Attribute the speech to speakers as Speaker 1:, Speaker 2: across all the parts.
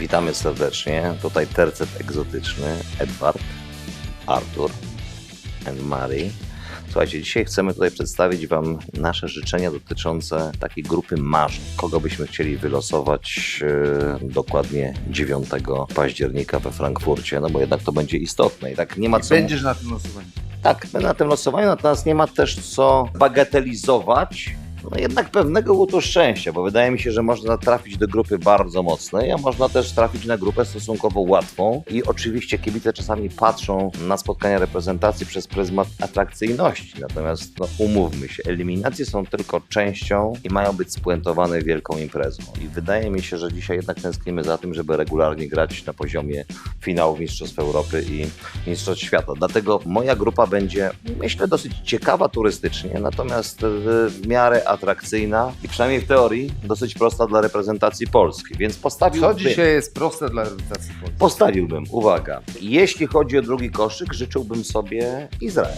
Speaker 1: Witamy serdecznie. Tutaj tercet egzotyczny. Edward, Artur and Mary. Słuchajcie, dzisiaj chcemy tutaj przedstawić Wam nasze życzenia dotyczące takiej grupy marzeń. Kogo byśmy chcieli wylosować dokładnie 9 października we Frankfurcie, no bo jednak to będzie istotne i tak nie ma co...
Speaker 2: Będziesz na tym losowaniu.
Speaker 1: Tak, będę na tym losowaniu, natomiast nie ma też co bagatelizować. No jednak pewnego łutu szczęścia, bo wydaje mi się, że można trafić do grupy bardzo mocnej, a można też trafić na grupę stosunkowo łatwą. I oczywiście kibice czasami patrzą na spotkania reprezentacji przez pryzmat atrakcyjności. Natomiast no, umówmy się, eliminacje są tylko częścią i mają być spuentowane wielką imprezą. I wydaje mi się, że dzisiaj jednak tęsknimy za tym, żeby regularnie grać na poziomie finałów Mistrzostw Europy i Mistrzostw Świata. Dlatego moja grupa będzie, myślę, dosyć ciekawa turystycznie, natomiast w miarę atrakcyjna i przynajmniej w teorii dosyć prosta dla reprezentacji Polski, więc
Speaker 2: Co dzisiaj jest proste dla reprezentacji Polski?
Speaker 1: uwaga, jeśli chodzi o drugi koszyk, życzyłbym sobie Izrael.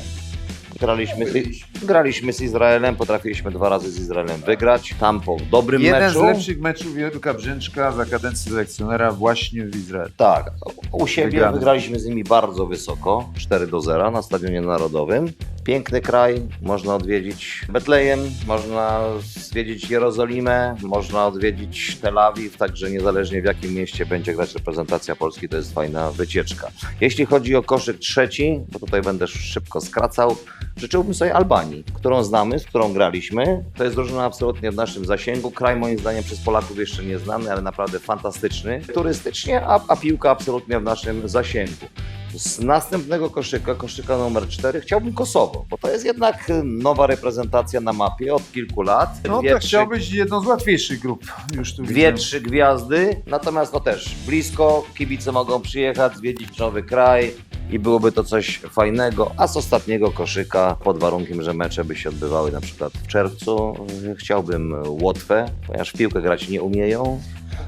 Speaker 1: Graliśmy z Izraelem, potrafiliśmy 2 razy z Izraelem wygrać, tam po dobrym
Speaker 2: Jeden
Speaker 1: meczu.
Speaker 2: z lepszych meczów Jurka Brzęczka za kadencji selekcjonera właśnie w Izraelu.
Speaker 1: Tak, u siebie
Speaker 2: Wygrany.
Speaker 1: wygraliśmy z nimi bardzo wysoko, 4-0 na Stadionie Narodowym. Piękny kraj, można odwiedzić Betlejem, można zwiedzić Jerozolimę, można odwiedzić Tel Awiw, także niezależnie w jakim mieście będzie grać reprezentacja Polski, to jest fajna wycieczka. Jeśli chodzi o koszyk trzeci, bo tutaj będę szybko skracał, życzyłbym sobie Albanii, którą znamy, z którą graliśmy. To jest drużyna absolutnie w naszym zasięgu. Kraj moim zdaniem przez Polaków jeszcze nieznany, ale naprawdę fantastyczny. Turystycznie, a piłka absolutnie w naszym zasięgu. Z następnego koszyka numer 4, chciałbym Kosowo, bo to jest jednak nowa reprezentacja na mapie od kilku lat.
Speaker 2: No to chciałbyś jedną z łatwiejszych grup już tu
Speaker 1: 2-3 gwiazdy, natomiast no też blisko, kibice mogą przyjechać, zwiedzić nowy kraj i byłoby to coś fajnego, a z ostatniego koszyka, pod warunkiem, że mecze by się odbywały na przykład w czerwcu, chciałbym Łotwę, ponieważ w piłkę grać nie umieją.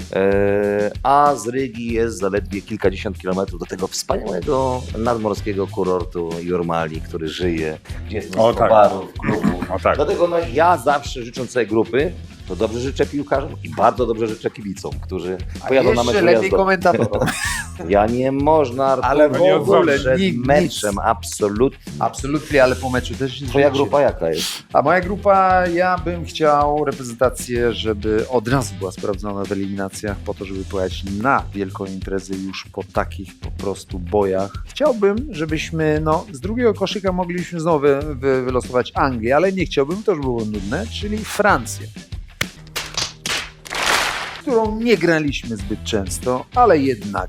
Speaker 1: A z Rygi jest zaledwie kilkadziesiąt kilometrów do tego wspaniałego nadmorskiego kurortu Jurmali, który żyje, gdzie jest mnóstwo barów, klubów.
Speaker 3: Tak.
Speaker 1: Dlatego no, ja zawsze życząc sobie grupy, to dobrze życzę piłkarzom i bardzo dobrze życzę kibicom, którzy pojadą na mecz
Speaker 2: lepiej
Speaker 1: wyjazdowy.
Speaker 2: komentatorom.
Speaker 1: Ja nie można, Artur,
Speaker 2: Ale w ogóle
Speaker 1: przed
Speaker 2: nic.
Speaker 1: meczem, absolutnie.
Speaker 2: Absolutnie, ale po meczu też nie
Speaker 1: Twoja
Speaker 2: życie.
Speaker 1: grupa jaka jest?
Speaker 2: A moja grupa, ja bym chciał reprezentację, żeby od razu była sprawdzona w eliminacjach po to, żeby pojechać na wielką imprezę już po takich po prostu bojach. Chciałbym, żebyśmy z drugiego koszyka mogliśmy znowu wylosować Anglię, ale nie chciałbym, to już było nudne, czyli Francję, którą nie graliśmy zbyt często, ale jednak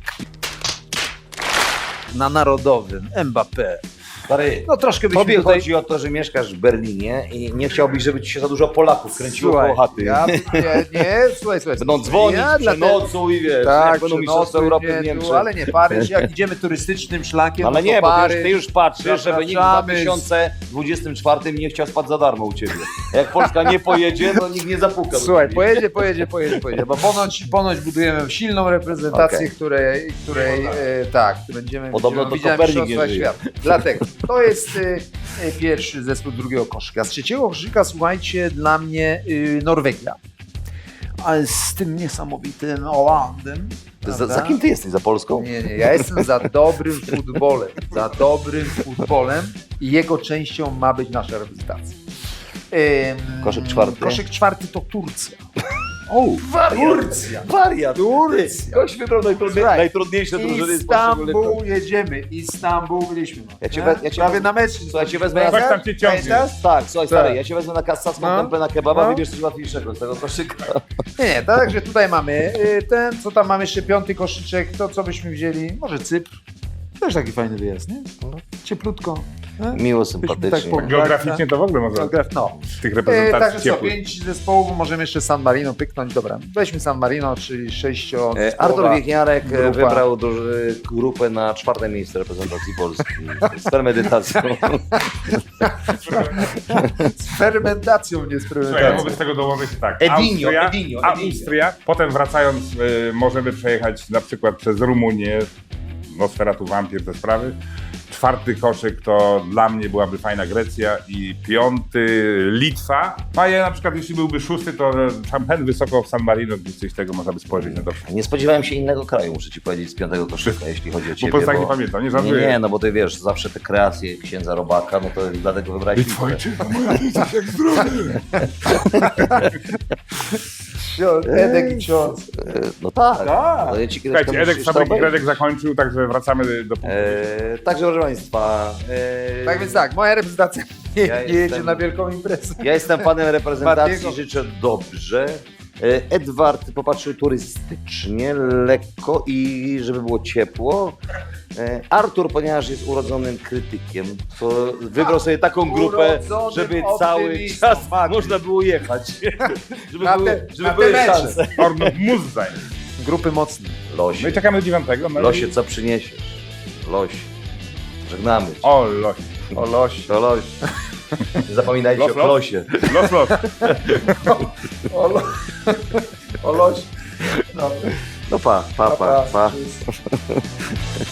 Speaker 2: na Narodowym Mbappé.
Speaker 1: Stary,
Speaker 2: No troszkę byśmy
Speaker 1: tobie
Speaker 2: tutaj...
Speaker 1: chodzi o to, że mieszkasz w Berlinie i nie chciałbyś, żeby ci się za dużo Polaków kręciło koło chaty.
Speaker 2: Słuchaj.
Speaker 1: Będą dzwonić, przenocuj, wiesz,
Speaker 2: Tak,
Speaker 1: będą mistrzostwa Europy w Niemczech.
Speaker 2: ale nie Paryż, jak idziemy turystycznym szlakiem,
Speaker 1: Ale
Speaker 2: to
Speaker 1: nie, bo
Speaker 2: Paryż,
Speaker 1: ty już patrzysz, żeby nikt w
Speaker 2: zapraszamy
Speaker 1: 2024 nie chciał spać za darmo u ciebie. Jak Polska nie pojedzie, to nikt nie zapuka. do
Speaker 2: Słuchaj,
Speaker 1: ciebie.
Speaker 2: pojedzie, bo ponoć budujemy silną reprezentację,
Speaker 1: Okej.
Speaker 2: której będziemy
Speaker 1: Podobno to
Speaker 2: widzieć
Speaker 1: Kopernik
Speaker 2: mistrzostwa
Speaker 1: nie żyje.
Speaker 2: świata. Dlatego, to jest pierwszy zespół drugiego koszyka. Z trzeciego koszyka, słuchajcie, dla mnie Norwegia. Ale z tym niesamowitym Holandem.
Speaker 1: Za kim ty jesteś? Za Polską?
Speaker 2: Nie, ja jestem za dobrym futbolem. Za dobrym futbolem i jego częścią ma być nasza reprezentacja.
Speaker 1: Koszyk czwarty?
Speaker 2: Koszyk czwarty to Turcja.
Speaker 1: Wariat!
Speaker 2: Turcja.
Speaker 1: Ktoś wybrał
Speaker 2: Słuchaj,
Speaker 1: najtrudniejsze drużyny z poszczególnych.
Speaker 2: Istanbul jedziemy. Istanbul byliśmy.
Speaker 1: Ja cię
Speaker 2: prawie na mecz.
Speaker 1: Słuchaj, cię wezmę
Speaker 3: Coś tam cię ciągnie.
Speaker 2: Pamiętasz?
Speaker 1: Tak, słuchaj stary,
Speaker 2: Tak.
Speaker 1: ja cię wezmę na kassacką
Speaker 2: No.
Speaker 1: tempę na kebaba,
Speaker 2: No.
Speaker 1: wybierz coś łatwiejszego z tego koszyka.
Speaker 2: Nie, także tutaj mamy ten, co tam mamy jeszcze, 5. koszyczek, to co byśmy wzięli, może Cypr. Też taki fajny wyjazd, nie? Cieplutko.
Speaker 1: Miło,
Speaker 2: Byśmy
Speaker 1: sympatycznie.
Speaker 2: tak
Speaker 3: Geograficznie to w ogóle może
Speaker 2: z
Speaker 3: tych
Speaker 2: Także
Speaker 3: reprezentacji
Speaker 2: co,
Speaker 3: ciepłych.
Speaker 2: 5 zespołów, możemy jeszcze San Marino pyknąć. Dobra, weźmy San Marino, czyli 6
Speaker 1: Artur Wiechniarek
Speaker 2: grupa.
Speaker 1: wybrał grupę na 4. miejsce reprezentacji Polski z premedytacją.
Speaker 2: z fermentacją, nie z
Speaker 3: Słuchaj, ja
Speaker 2: fermentacją.
Speaker 3: mogę z tego dołożyć tak.
Speaker 1: Edinio.
Speaker 3: Austria, potem wracając możemy przejechać na przykład przez Rumunię, Nosferatu Wampir, te sprawy. 4. koszyk to dla mnie byłaby fajna Grecja i 5. Litwa. A ja na przykład jeśli byłby 6, to Champagne wysoko w San Marino, gdzieś coś tego można by spojrzeć na to.
Speaker 1: Nie spodziewałem się innego kraju, muszę ci powiedzieć, z 5. koszyka, jeśli chodzi o ciebie.
Speaker 3: Po prostu tak nie pamiętam, nie żartuję.
Speaker 1: Nie, no bo ty wiesz, zawsze te kreacje księdza Robaka, no to dlatego wybrałeś Litwę.
Speaker 3: Litwojczyka, moja dzieciak jak zdrowie.
Speaker 2: Edek i ksiądz.
Speaker 1: No tak.
Speaker 3: Tak.
Speaker 1: No ja ci kiedyś
Speaker 3: Słuchajcie,
Speaker 1: tam
Speaker 3: Edek
Speaker 1: musisz to
Speaker 3: Fabryki
Speaker 1: obejrzeć.
Speaker 3: Gredek zakończył, także wracamy do punktu.
Speaker 1: Także proszę Państwa,
Speaker 2: Tak więc tak, moja reprezentacja nie
Speaker 1: Ja
Speaker 2: jedzie
Speaker 1: jestem-
Speaker 2: na wielką imprezę.
Speaker 1: ja jestem panem reprezentacji,
Speaker 2: Matiego.
Speaker 1: życzę dobrze. Edward popatrzył turystycznie, lekko i żeby było ciepło. Artur, ponieważ jest urodzonym krytykiem, to wybrał sobie taką grupę,
Speaker 2: Urodzonym
Speaker 1: żeby cały
Speaker 2: optymistą,
Speaker 1: czas
Speaker 2: Mati.
Speaker 1: można było jechać. Żeby
Speaker 2: Na
Speaker 1: były,
Speaker 2: te-
Speaker 1: żeby
Speaker 2: na
Speaker 1: były
Speaker 2: te mecze.
Speaker 1: szanse.
Speaker 3: Ornów Muzzaj.
Speaker 2: Grupy mocne.
Speaker 3: No i
Speaker 1: Losie,
Speaker 3: czekamy do 9. No i-
Speaker 1: losie, co przyniesiesz? Losie. Żegnamy cię.
Speaker 3: O, losie.
Speaker 2: O losie.
Speaker 1: To losie. Nie zapominajcie
Speaker 3: Los,
Speaker 1: o
Speaker 3: los.
Speaker 1: losie.
Speaker 3: Los.
Speaker 2: O losie. No,
Speaker 1: No pa.
Speaker 2: pa.